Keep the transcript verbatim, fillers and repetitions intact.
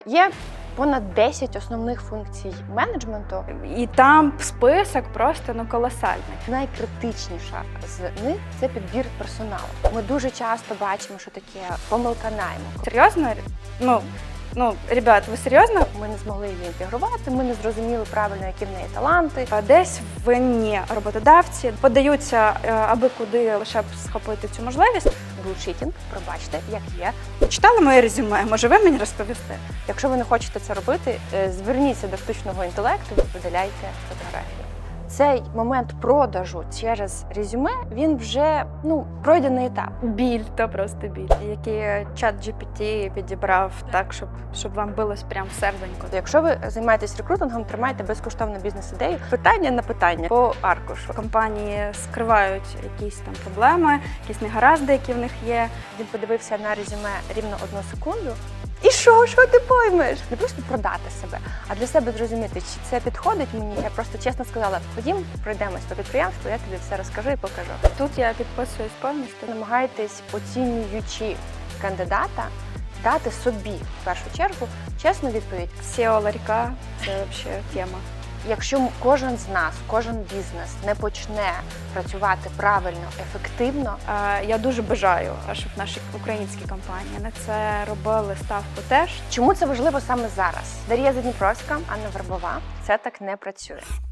Є понад десять основних функцій менеджменту. І там список просто ну колосальний. Найкритичніша з них – це підбір персоналу. Ми дуже часто бачимо, що таке помилка найму. Серйозно? Ну, ну, ребят, ви серйозно? Ми не змогли її інтегрувати, ми не зрозуміли правильно, які в неї таланти. Десь винні роботодавці подаються аби куди лише б схопити цю можливість. Булшітінг, пробачте, як є. Читали моє резюме? Може, ви мені розповісти? Якщо ви не хочете це робити, зверніться до штучного інтелекту і видаляйте фотографію. Цей момент продажу через резюме, він вже ну, пройдений етап. Біль, то просто біль. Який чат джі пі ті підібрав так, щоб, щоб вам билось прям в серденько. Якщо ви займаєтесь рекрутингом, тримайте безкоштовну бізнес-ідею. Питання на питання по аркушу. Компанії скривають якісь там проблеми, якісь негаразди, які в них є. Він подивився на резюме рівно одну секунду. І що? Що ти поймеш? Не просто продати себе, а для себе зрозуміти, чи це підходить мені. Я просто чесно сказала, ходім, пройдемось по підприємству, я тобі все розкажу і покажу. Тут я підписуюсь повністю. Намагайтесь, оцінюючи кандидата, дати собі, в першу чергу, чесну відповідь. сео ларька – це взагалі тема. Якщо кожен з нас, кожен бізнес не почне працювати правильно, ефективно, я дуже бажаю, щоб наші українські компанії на це робили ставку теж. Чому це важливо саме зараз? Дар'я Задніпровська, Анна Вербова. Це так не працює.